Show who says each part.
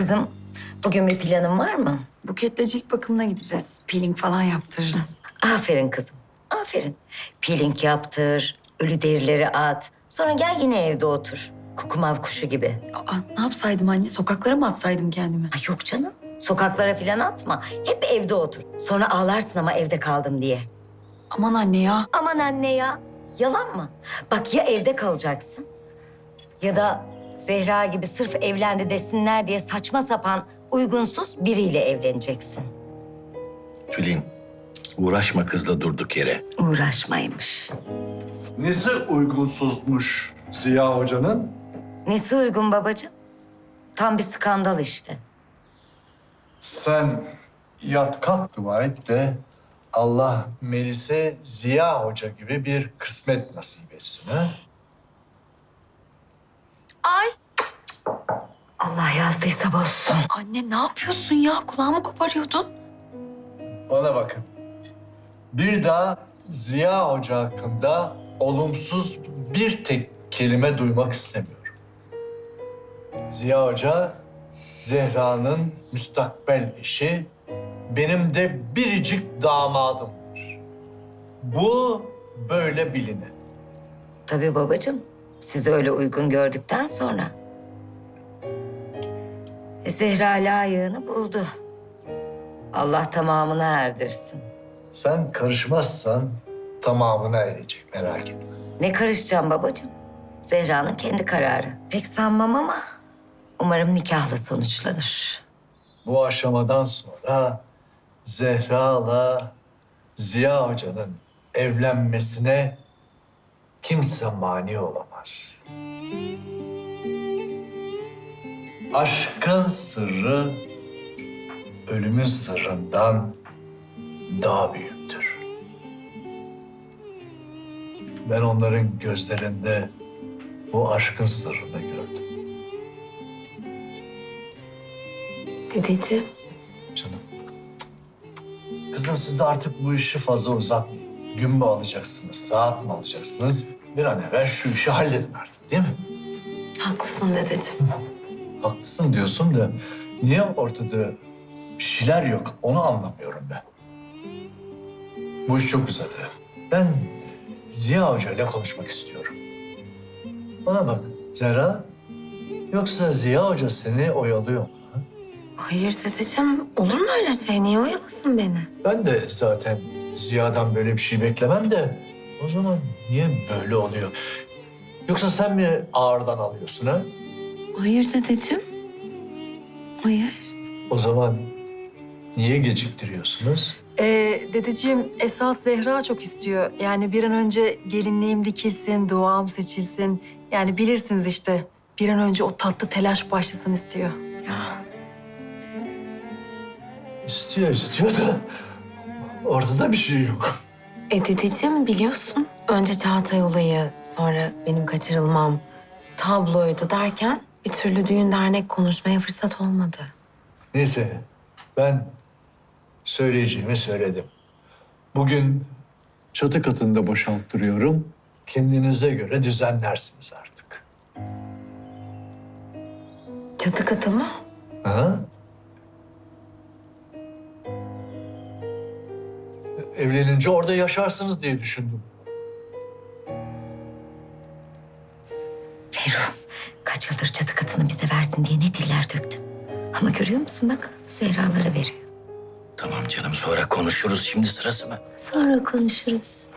Speaker 1: Kızım, bugün bir planın var mı?
Speaker 2: Buketle cilt bakımına gideceğiz. Peeling falan yaptırırız.
Speaker 1: Aferin kızım, aferin. Peeling yaptır, ölü derileri at. Sonra gel yine evde otur. Kukumav kuşu gibi.
Speaker 2: Aa, ne yapsaydım anne? Sokaklara mı atsaydım kendimi?
Speaker 1: Ay yok canım, sokaklara falan atma. Hep evde otur. Sonra ağlarsın ama evde kaldım diye.
Speaker 2: Aman anne ya.
Speaker 1: Aman anne ya, yalan mı? Bak ya evde kalacaksın ya da Zehra gibi sırf evlendi desinler diye saçma sapan uygunsuz biriyle evleneceksin.
Speaker 3: Tülin, uğraşma kızla durduk yere.
Speaker 1: Uğraşmaymış.
Speaker 4: Nesi uygunsuzmuş Ziya Hoca'nın?
Speaker 1: Nesi uygun babacığım? Tam bir skandal işte.
Speaker 4: Sen yat kalk dua et de Allah Melis'e Ziya Hoca gibi bir kısmet nasip etsin ha?
Speaker 2: Ay.
Speaker 1: Allah yazdıysa bozsun.
Speaker 2: Anne ne yapıyorsun ya? Kulağımı koparıyordun.
Speaker 4: Bana bakın. Bir daha Ziya Hoca hakkında olumsuz bir tek kelime duymak istemiyorum. Ziya Hoca, Zehra'nın müstakbel eşi, benim de biricik damadımdır. Bu böyle biline.
Speaker 1: Tabii babacığım. Sizi öyle uygun gördükten sonra. Zehra layığını buldu. Allah tamamını erdirsin.
Speaker 4: Sen karışmazsan tamamına erecek, merak etme.
Speaker 1: Ne karışacağım babacığım? Zehra'nın kendi kararı. Pek sanmam ama umarım nikahla sonuçlanır.
Speaker 4: Bu aşamadan sonra Zehra'la Ziya Hoca'nın evlenmesine kimse mani olamaz. Aşkın sırrı ölümün sırrından daha büyüktür. Ben onların gözlerinde bu aşkın sırrını gördüm.
Speaker 2: Dedeciğim.
Speaker 4: Canım. Kızım siz de artık bu işi fazla uzatmayın. Gün mü alacaksınız, saat mi alacaksınız? Bir an evvel şu işi halledin artık, değil mi?
Speaker 2: Haklısın dedeciğim.
Speaker 4: Haklısın diyorsun da niye ortada bir şeyler yok onu anlamıyorum ben. Bu iş çok uzadı. Ben Ziya Hoca ile konuşmak istiyorum. Bana bak Zehra, yoksa Ziya Hoca seni oyalıyor mu? Ha?
Speaker 5: Hayır dedeciğim, olur mu öyle şey? Niye oyalasın beni?
Speaker 4: Ben de zaten Ziya'dan böyle bir şey beklemem de o zaman niye böyle oluyor? Yoksa sen mi ağırdan alıyorsun ha?
Speaker 5: Hayır dedeciğim. Hayır.
Speaker 4: O zaman niye geciktiriyorsunuz?
Speaker 6: Dedeciğim esas Zehra çok istiyor. Yani bir an önce gelinliğim dikilsin, duam seçilsin. Yani bilirsiniz işte bir an önce o tatlı telaş başlasın istiyor.
Speaker 4: İstiyor da ortada bir şey yok.
Speaker 5: Dedeciğim biliyorsun. Önce Çağatay olayı, sonra benim kaçırılmam, tabloydu derken bir türlü düğün dernek konuşmaya fırsat olmadı.
Speaker 4: Neyse ben söyleyeceğimi söyledim. Bugün çatı katında boşalttırıyorum. Kendinize göre düzenlersiniz artık.
Speaker 5: Çatı katı mı?
Speaker 4: Ha? Evlenince orada yaşarsınız diye düşündüm.
Speaker 1: Ferruh, kaç yıldır çatı katını bize versin diye ne diller döktüm. Ama görüyor musun bak, Zehra'lara veriyor.
Speaker 3: Tamam canım, sonra konuşuruz. Şimdi sırası mı?
Speaker 1: Sonra konuşuruz.